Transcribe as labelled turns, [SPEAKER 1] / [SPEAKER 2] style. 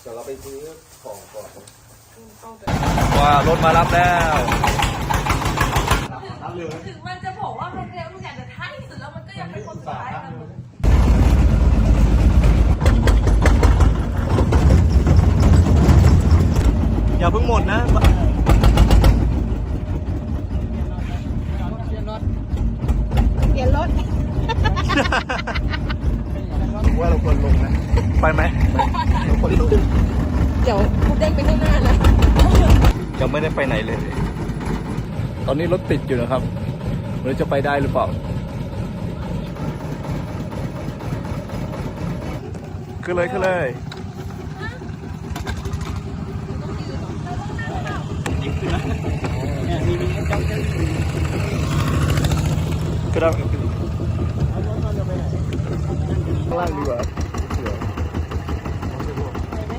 [SPEAKER 1] เดี๋ยวเราไปซื้อของก่อน
[SPEAKER 2] ว้ารถมารับแล้ว
[SPEAKER 3] ถึงมันจะบอกว่ามันเร็วทุกอย่างแต่ท้ายที่สุดแล้วมันก็ยังเป็นคนสุดท้ายนะ
[SPEAKER 2] อย่าเพิ่งหมดนะ
[SPEAKER 4] เปลี่ยนรถ
[SPEAKER 2] ว่าเราควรลงนะ ไปไหมเราควรลง
[SPEAKER 4] เดี๋ยวกูเด้งไปข้างหน้านะ
[SPEAKER 2] ยังไม่ได้ไปไหนเลย ตอนนี้รถติดอยู่นะครับไม่รู้จะไปได้หรือเปล่า ขึ้นเลยขึ้นเลยขึ้นแล้ว